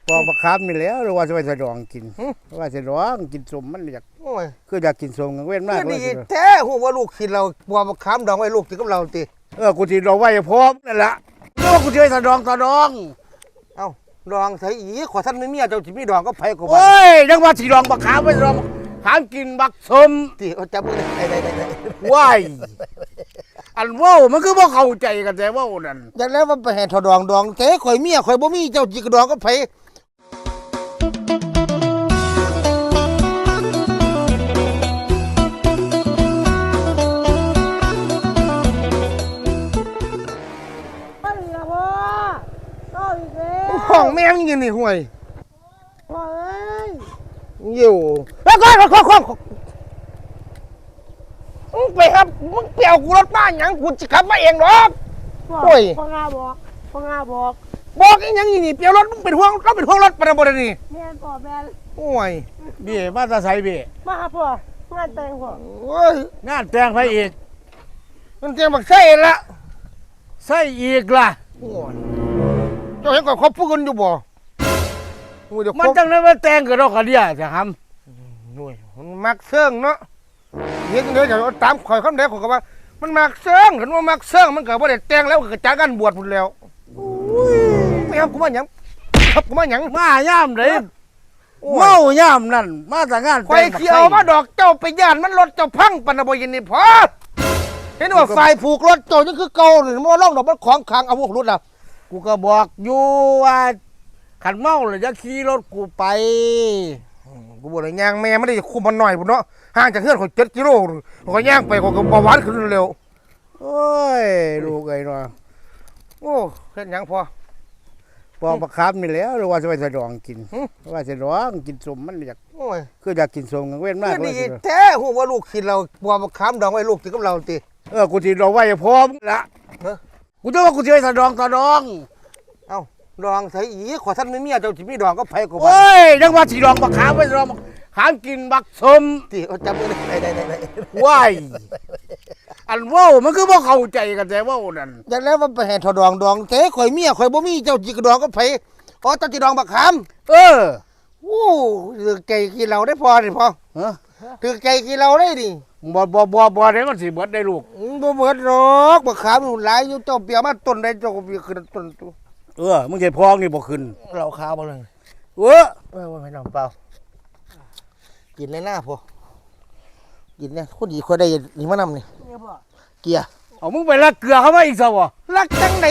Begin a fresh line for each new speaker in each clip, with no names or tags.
พอประคับนี่แล้วหรือว่าจะไปสะดองกินว่าสะดองกินสมมันอยากคืออยากกินสมกันเว้นมากเลย
แท้หัวลูกกินเราบัวประคับดองไว้ลูกกินกับเราตี
กูที่ดองไว้พร้อมนั่นแหละแล้วกูจะไปสะดอง
เอ้าดองใส่อีขอท่านไม่มีเจ้าจิมีดองก็ไผ่กู
โอ้ยยังว่าสีดองประคับไปสะดองหากินบักสม
ตีเขาจับมือได้
ว้ายอันว่ามันคือว่าเข้าใจกันแต่ว่านั่น
จากแล้วมันไปแห่ทอดองดองเจ๊ข่อยเมียข่อยบ่มีเจ้าจิกดองก็ไผ่ห้องแม่งยังนี่ห่วยอยู่แล้วก็มึงไปครับมึงเปี่ยวกูรถบ้านยังกูจะขับมาเองหรอกโอ้ย
พ่องาบอก
อีหยังนี่เปี่ยวรถมึงเป็นห่วงเราเป็นห่วงรถประเดี๋ยวนี่
แม่พ่อแม่
โอ้ย
เบี้ยมาตาใส่เบี้ย
มาพ่องานแต่งพ่อ
โอ้ย
งานแต่งไปอีก
มันเตรียมบักไส้ละ
ใส่อีกล่ะ
โอ้ยเจ้าเห็นก่อนเขาพูดกันอยู่บ่
มันจังนั้นมาแต่งกับเราคนเดียวจะท
ำหน่วยมันมักเสื่องเนาะเห็นเดี๋ยวจะตามข่อยคำเดียวข่อยก็ว่ามันมักเสื่องเห็นว่ามักเสื่องมันเกิดว่าเด็ดแต่งแล้วก็จากกันบวชหมดแล้วไม่ครับกูมาหยังครับกูมาหยัง
มาย่ำเลยเมาย่ำนั่นมาแต่งาน
ไฟเขียวมาดอกเจ้าไปย่านมันรถเจ้าพังปนบ่ยินนี่พอเห็นว่าไฟผูกรถเจ้านี่คือเก่าหรือว่าล่องดอกมันของขังเอาพวกรถล่ะ
กูก็บอกอยู่ว่าขันเมาเลยจะขี่รถกูไป
กูบอกเลยย่างแม่ไม่ได้คุมมันหน่อยพุ่นเนาะห่างจากเฮือนข่อย7 กิโลข่อยย่างไปข่อยก็เบาหวานขึ้นเร็ว
โอ้ยลูกไอ้เนาะ
โอ้เฮ็ดหยังพอ
ประคับนี่แล้วหรือว่าจะไปสะดองกินว่าสะดองกินสมมันอยากคืออยากกินสมกันเว้นมาก
เลยแท้หัวลูกกินเราบัวประคับดองไว้ลูกกินกับเราตี
กูที่ดองไว้พร้อมละกูจะว่ากูจะไปสะดอง
เอ้าดองใส่อีขอท่านไม่มีเจ้าจิมีดองก็ไผ่กู
โอ้ยยังว่าสีดองประคับไปสะดองหากินบักสม
ตีเขาจับมือได้
ว้ายอันว่ามันคือว่าเข้าใจกันแต่ว่านั่น
จากแล้วมันไปแห่ทอดองเจ๊ข่อยเมียข่อยบ่มีเจ้าจิกดองก็ไผ่เจ้าจิดองบักขามโอ้ถือใจกินเราได้พอดิพอถือใจกินเราได้ดิ
บ่ได้มันสิเบิดได้ลูก
บ่เบิดหรอกบักขามหลายอยู่เจ้าเปียมาต้นได้เจ้าก็เปียขึ้นต้น
มึงใช่พองนี่บ่ขึ้น
เราขาวบ่เลยไม่น้ำเปล่ากินเลยหน้าพอกินเนี่ยคนดีคนได้นี่มานำนี่เกียร์
เอามึงไปลักเกลือเขามาอีกซะวะ
ลักจังไหน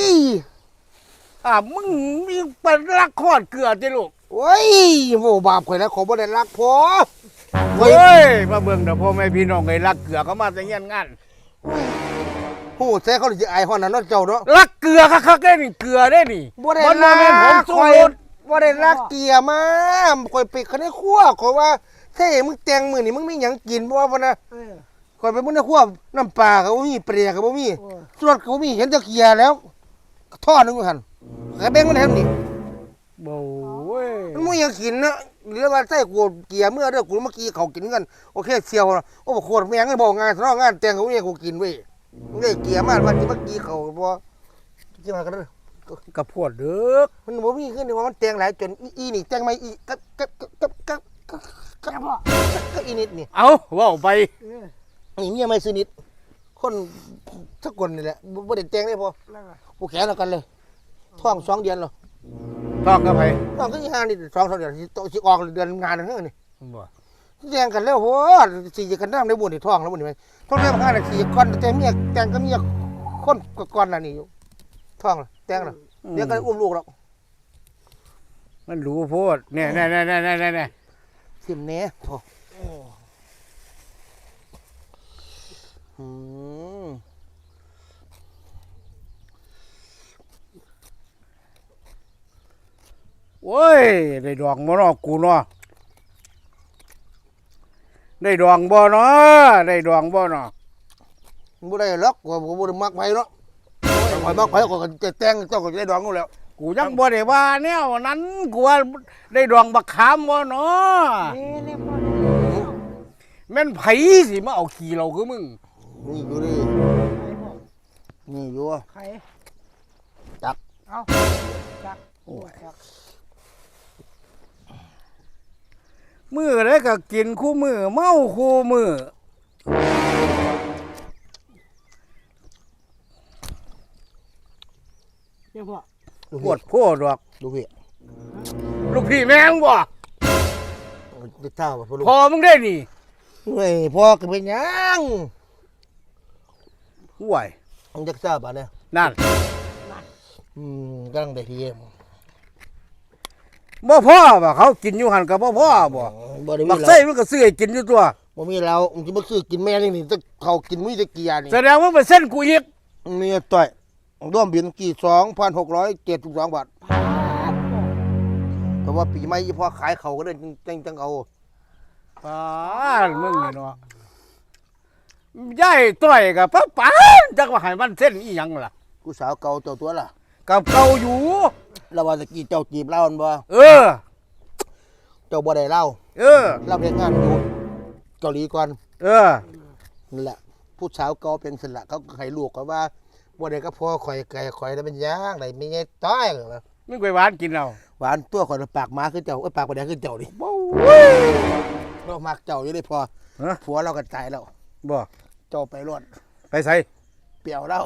มึงมีไปลักขอดเกลือจิลูก
โอ้ยโว้บาปข่อยแล้วขอบ่ได้ลักพอ
เฮ้ยมาเบิ่งเด้อพ่อแม่พี่น้องไอ้ลักเกลือเขามาแต่เงี้ยงาน
โอ้แซ่เขาสิอายฮ้อนน่ะเนาะเจ้าเนาะ
ลักเกลือคักๆได้นี่เกลือได้นี่
บ่ได้ลักผมสู้รถบ่ได้ลักเกียร์มาข่อยไปคันในครัวข่อยว่าเท่มึงแต่งมื้อนี่มึงมีหยังกินบ่ว่านะข่อยไปมื้อในครัวน้ำปลาก็บ่มีเปรี้ยก็บ่มีสดก็บ่มีเห็นแต่เกียร์แล้วท่อนึงหั่นก็แบ่งมันให้นี่
บ่เว้ย
มันบ่ยังกินนะหรือว่าใส่กูเกียร์เมื่อเด้อกูเมื่อกี้เขากินกันโอเคเสียวโอ้โคตรแม่งบ่งานซะงานแต่งก็บ่มีกูกินเว้ยมึงได้เกียร์มาวันที่เมื่อกี้เขาบ่สิมากันเด้
อกระพวดเด้อ
มันบ่มีขึ้นว่ามันแต่งหลายจนอีนี่แต่งไม่อีก็อีนิดนี่
เอาว่าไป
นี่เมียไม่ซื้อนิดคนสักคนนี่แหละบ่ได้แต่งได้พอกูแขนแล้วกันเลยท้อง2 เดือนหรอ
ท้องกับไผ
ท้องก็5นี่2 เดือนสิออกเดือนงานนั่นนี่บ่แต่งกันแล้วโหสิจะกันนำได้บ่นี่ท้องแล้วบ่นี่มั้ยท้องเดือน5นาทีก่อนแต่เมียแต่งก็เมียคนก่อนน่ะนี่อยู่ท้องแต่งแล้วเดี๋ยวก็อุ้มลูกแล้ว
มันรู้โพดเนี่ย
สิมแน่พอ
โอ้ยได้ดองบ่เนาะกูเนาะได้ดองบ่เนาะบ่ได้หร
อกว่าบ่ได้มักไผเนาะข่อยมักไผก็จะแต่งเจ้าก็ได้ดองอยู่แล้ว
กูยังบ่ได้ว่าแนวนั้นกูว่าได้ดองบักขามบ่เนาะแม่นไผสิมาเอาขี้เราคือมึง
นี่อยู่ดินี่อยู่
ใคร
จัก
เอาจักโอ้ย
มื้อใดก็กินคู่มื้อเมาคู่มื้อ
เนี่ยพ่อ
ปวดโพดดอก
ลูกพี่
ลูกพี่แม่งบ่
ได้เท่าบ่พ่อลูก
พอมึงได้นี่
เฮ้ยพ่อก็เป็นหยัง
ห่วย
มึงจักทราบบ่เนี่ย
นั่น
กำลังได้ทีเอ็ม
บ่พอบ่เขากินอยู่หั่นก็บ่พอบ่
บ่ได้มี
บัก
เรา
ไส้มันก็ซื้อให้กินอยู่ตัว
บ่มีเรามึงสิบ่ซื้อกินแม่นี่ต้องเขากินมีแตะกี้ยานี่
แสดงว่าเป็นเส้นกูอีก
มีต่อยร่วมบินกี่ 2,672 บาทเพราะว่าปีใหม่อีพ่อขายเขาก็ได้จังเอา
ป้านมึงนี่เนาะยายต้อยกับป้าปานจักว่าให้มันเส้นอีหยังล่ะ
กูสาวเก่าเจ้าตัวล่ะ
กับเก่าอยู่
แล้วว่าตะกี้เจ้าจีบเล่ามันบ่
เออ
เจ้าบ่ได้เล่า
เออ
เล่าเฮ็ดงานอยู่เกาหลีก่อน
เออ
นั่นแหละผู้สาวเก่าเป็นสละเขาก็ให้ลูกก็ว่าบ่ได้ก็พ่อข่อยไก่ข่อยแล้วเป็นยางได้มีไงต้อยเหรอ
มึงไปหวานกินเอา
หวานตัวข่อยปากหมาคือเจ้าปากบ่ได้คือเจ้าดิเรามักเจ้าอยู่ได้พอ
ฮะ
ผัวเราก็ตายแล้ว
บ่
เจ้าไปรอด
ไปใส่
เปรี้ยวเรา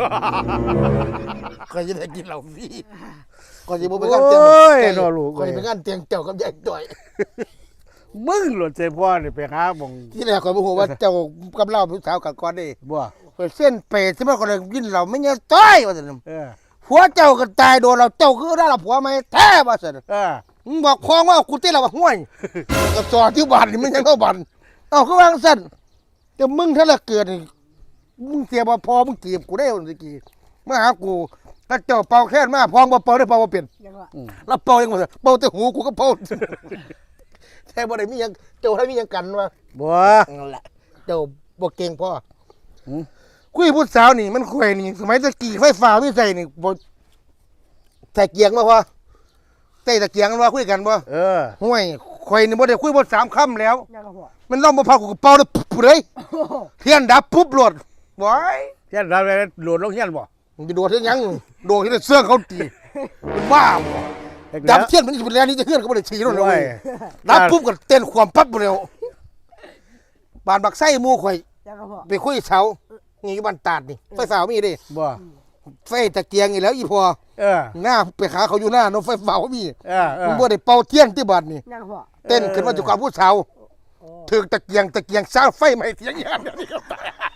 ก็จะได้กินเหล้าฟรีก็จะบ่ไปงานเตียง
โอ้ยนอลูก
ก็จะไปงานเตียงเจ้ากับยายต้อย
มึงหล่นใจพ่อนี่ไปหาบ่ง
ที่แรกข่อยบ่ฮู้ว่าเจ้ากับเราผู้สาวกันก่อนเด้
บ่
ข่อยเส้นเปรตใช่มั้ยก็เลยกินเหล้าไม่ยายต้อยว่าซั่น
เออ
ผัวเจ้าก็ตายโดนเราเจ้าคือได้เราผัวไหมแท้ว่าซั่น
เออ
มึงบอกพ้องว่ากูเต้นเราว่าห่วยก็สอที่บ้านนี่มันยังเข้าบ้านเอ้าคือวางซั่นแต่มึงถ้าละเกิดนี่มึงเสียบ่พอมึงเก็บกูได้คนตะกี้มาหากูถ้าเจ้าเป่าแค่นมาพองบ่เป่าได้เป่าบ่เป็น
ยังว่า
แล้วเป่ายังบ่ได้เป่าแต่หูกูก็เป่าแท้บ่ได้มีหยังเจ้าให้มีหยังกันวะ
บ่
นั่นแหละเจ้าบ่เก่งพอ
อืม
คุยผู้สาวนี่มันคุยนี่สมัยตะกี้ไฟฟ้ามีใส่นี่บ่ใส่เกียงมาพอใส่ตะเกียงกันว่าคุยกันบ่
เออ
ห่วยข่อยนี่บ่ได้คุยบ่3คำแล้ว
ยังว่าพ่อ
มันล่อมบ่พากูก็เป่าเลยปุ๊บเลยเทียนดับปุ๊บโหลดบ่อย
เฮียนเราไปโหลดลงเฮียนบ่
มึงจะโดดเฮ็ดหยังโดดเฮ็ดให้เสื้อเขาตีมันบ้าบ่ดับเทียนมันสิเป็นแรงนี่จะเฮือนก็บ่ได้ฉีโน่นเลยเว้ยดับปุ๊บก็เต้นความปั๊บบ่แล้วบานบักไส้หมู่ข่อย
ยังว่าพ่อ
ไปคุยเสานี่อยู่บ้านตาดนี่ไฟฟ้ามีเด้
บ่
ไฟตะเกียงอีแล้วอีพอ
เออ
หน้าไปหาเขาอยู่หน้าเนาะไฟฟ้าบ่มี
เออเอ
มึ
อง
บ่ได้เป่าเทียนที่บ้านนี่
ยังพ่อ
เต้นขึ้นมาอยู่กับผู้สาวถึงตะเกียงสร้างไฟใหม่เทียงยามเดี๋ยวนี้ก็ตาย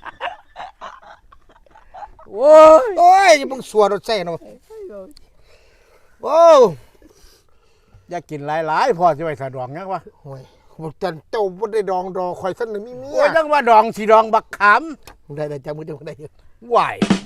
โอ้ย
โอ้ยมึงสัวรถใส่เนาะโอ้
อย่ากินหลายๆพ่อสิไว้สะดวกยังวะ
โอ้ยบ่จันเจ้าบ่ได้ดองดอข่อยซั่นน่ะมีเมี
โอ้
ย
ยจังว่าดองสิดองบักขาม
ได้จังมือเดียวได้
ไหว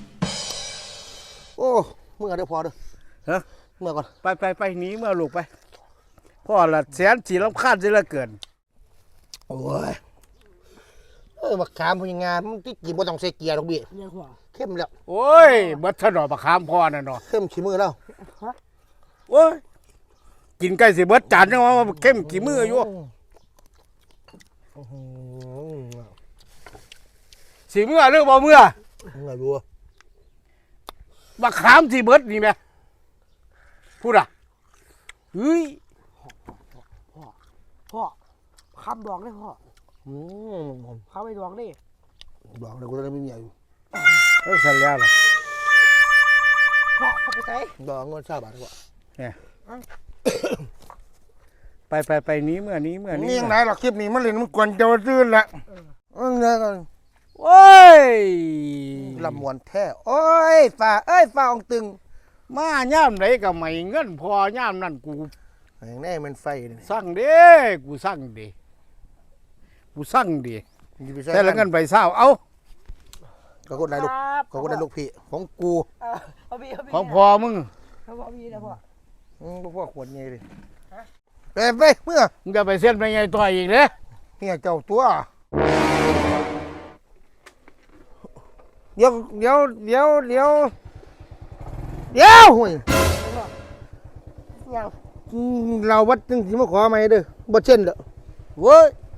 โอ้เมื่อเด้อพอเด้อ
ฮะ
เมื่อก่อน
ไปหนีเมื่อลูกไปพ่อละแสนสีรำคาญสิเหละเกิน
โอ้ยบักขามพญางานมันที่กินบ่ต้องใส่เกียร์ดอกเบี้ย
ยังพ่อ
เข้มแล้ว
โอ้ยเบิดถนอบักขามพ่อน่ะเนาะ
เข้มขี้มือแล้ว
โอ้ยกินใกล้สิเบิดจานจังว่าเข้มกี่มืออยู่
อื้อหือ
สิเมื่อหรือบ่เมื่อ
มึงไงบัว
บักขามสิเบิดนี่แม่พูดอ่ะเฮ้ย
พ่อคำดองเลยพ่อ
อืม
คำไปดองดิ
บอกเลยกูจะไม่มีอยู่
เลิกสัญญาแล้ว
พ่อเขาไปใส่
ดอกเงิน20 บาทดีกว่า
ไปหนี้เมื่อนี้
นี่ยังไงหรอกคลิปนี้มันเล่นมันกวนเจ้าซื่นละเนี่ยกัน
โอ้ย
ลำมวนแท้โอ้ยฝ่าฝ่าองตึง
มาย่ามไหนก็ไม่เงินพอย่ามนั่นกู
อย่างนี้มันไฟนี่
สั่งเด้กูสั่งเด้แต่ละเงินไปเศร้าเอา
ก็กดได้ลูกก็กดได้ลูกพี่ของกู
เอาพี่
ของพอมึง
เขาบอกพี่นะพ่อ
พวกขวดเงี้ยดิไปเมื่อ
มึงจะไปเส้นไปไงต่ออีกเด้
เนี่ยเจ้าตัวเดี๋ยวห่วย
ยัง
เราวัดจึงสิมาขอไหมเด้อบ่เช่นเด้อ
เว้ย